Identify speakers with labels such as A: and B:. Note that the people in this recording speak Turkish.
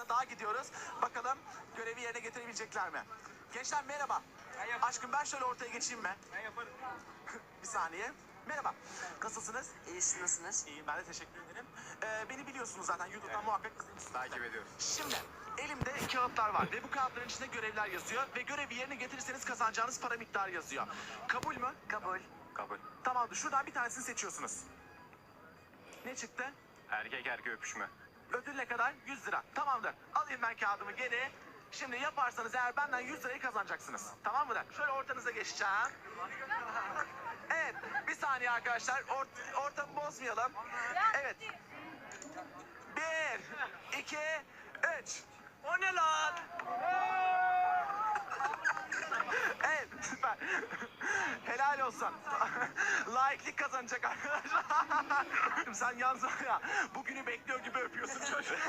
A: tane daha gidiyoruz. Bakalım görevi yerine getirebilecekler mi? Gençler merhaba. Aşkım ben şöyle ortaya geçeyim mi?
B: Ben yaparım.
A: Bir saniye. Merhaba. Nasılsınız?
C: İyisiniz, nasılsınız?
A: İyiyim, ben de teşekkür ederim. Beni biliyorsunuz zaten YouTube'dan muhakkak izlemişsiniz.
B: Takip ediyorum.
A: Şimdi elimde kağıtlar var ve bu kağıtların içinde görevler yazıyor ve görevi yerine getirirseniz kazanacağınız para miktarı yazıyor. Kabul mü?
C: Kabul.
B: Kabul.
A: Tamamdır. Şuradan bir tanesini seçiyorsunuz. Ne çıktı?
B: Erkek erkeğe öpüşme.
A: Ödül ne kadar? 100 lira. Tamamdır. Alayım ben kağıdımı geri. Şimdi yaparsanız eğer benden 100 lirayı kazanacaksınız. Tamam mı? Şöyle ortanıza geçeceğim. Evet. Bir saniye arkadaşlar. Ortamı bozmayalım. Evet. 1, 2, 3. O ne lan? Evet, süper. Helal olsun. Laiklik kazanacak arkadaşlar. Sen yalnız ya bugünü bekliyor gibi öpüyorsun çocuğu.